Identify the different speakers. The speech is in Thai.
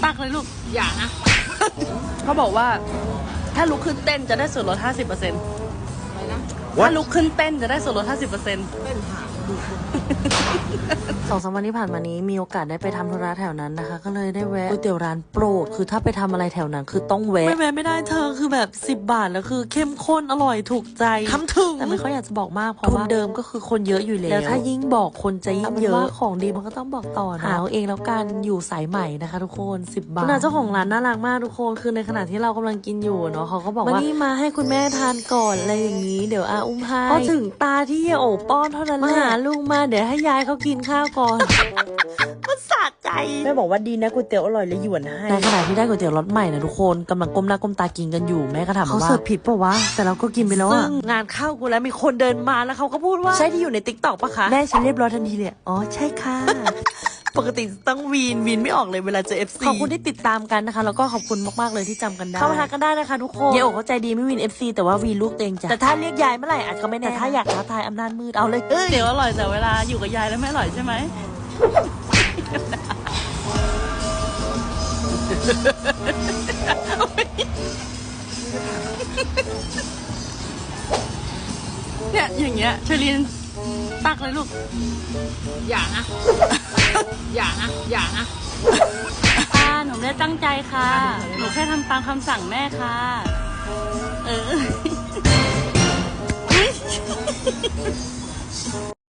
Speaker 1: ตักเลยลูก
Speaker 2: อย่านะ
Speaker 1: เขาบอกว่าถ้าลุกขึ้นเต้นจะได้ส่วนลด 50%
Speaker 2: อะไรนะ
Speaker 1: ถ้าลุกขึ้นเต้นจะได้ส่วนลด 50%
Speaker 2: เต้นหาดู
Speaker 3: 2-3 วันที่ผ่านมานี้มีโอกาสได้ไปทำธุระแถวนั้นนะคะก็เลยได้แวะก๋วยเตี๋ยวร้านโปรดคือถ้าไปทำอะไรแถวนั้นคือต้องแวะไม่ได้เธอคือแบบ10 บาทแล้วคือเข้มข้นอร่อยถูกใจทำถึงแต่ไม่ค่อยอยากจะบอกมากเพราะว่าเดิมก็คือคนเยอะอยู่แล้วถ้ายิ่งบอกคนจะยิ่งเยอะของดีมันก็ต้องบอกต่อนะหาเอาเองแล้วกันอยู่สายใหม่นะคะทุกคน10 บาทเจ้าของร้านน่ารักมากทุกคนคือในขณะที่เรากำลังกินอยู่เนาะเขาก็บอกว่านี่มาให้คุณแม่ทานก่อนอะไรอย่างนี้เดี๋ยวอาอุ้มให้พอถึงตาที่โอบป้อนเท่านั้นแหละมาหาลุงมาเดี๋ยวให้ยายเขากินข้าวก่อนมันสะใจแม่บอกว่าดีนะก๋วยเตี๋ยวอร่อยเลยหยวนให้ในขณะที่ได้ก๋วยเตี๋ยวรสใหม่นะทุกคนกำลังก้มหน้าก้มตากินกันอยู่แม่ก็ถามว่าเขาเสิร์ฟผิดปะวะแต่เราก็กินไปแล้วอะงานเข้ากูแล้วมีคนเดินมาแล้วเขาก็พูดว่าใช่ที่อยู่ในติ๊กต็อกปะคะแม่ฉันเรียบร้อยทันทีเลยอ๋อใช่ค่ะปกติต้องวีนไม่ออกเลยเวลาเจอ FC ขอบคุณที่ติดตามกันนะคะแล้วก็ขอบคุณมากๆเลยที่จำกันได้เข้ามาทักกันได้นะคะทุกคนเยโอเข้าใจดีไม่วีน FC แต่ว่าวีนลูกเตงจ้ะแต่ถ้าเรียกยายเมื่อไหร่อาจจะไม่แน่แต่ถ้าอยากท้าทายอำนาจมืดเอาเลย
Speaker 1: เดี๋ยวอร่อยแต่เวลาอยู่กับยายแล้วไม่อร่อยใช่ไหมเนี่ยอย่างเงี้ยเชอรีนตักเลยลูก
Speaker 2: อย่านะอย่านะอย่านะ
Speaker 1: ค่ะหนูไม่ได้ตั้งใจค่ะหนูแค่ทำตามคำสั่งแม่ค่ะ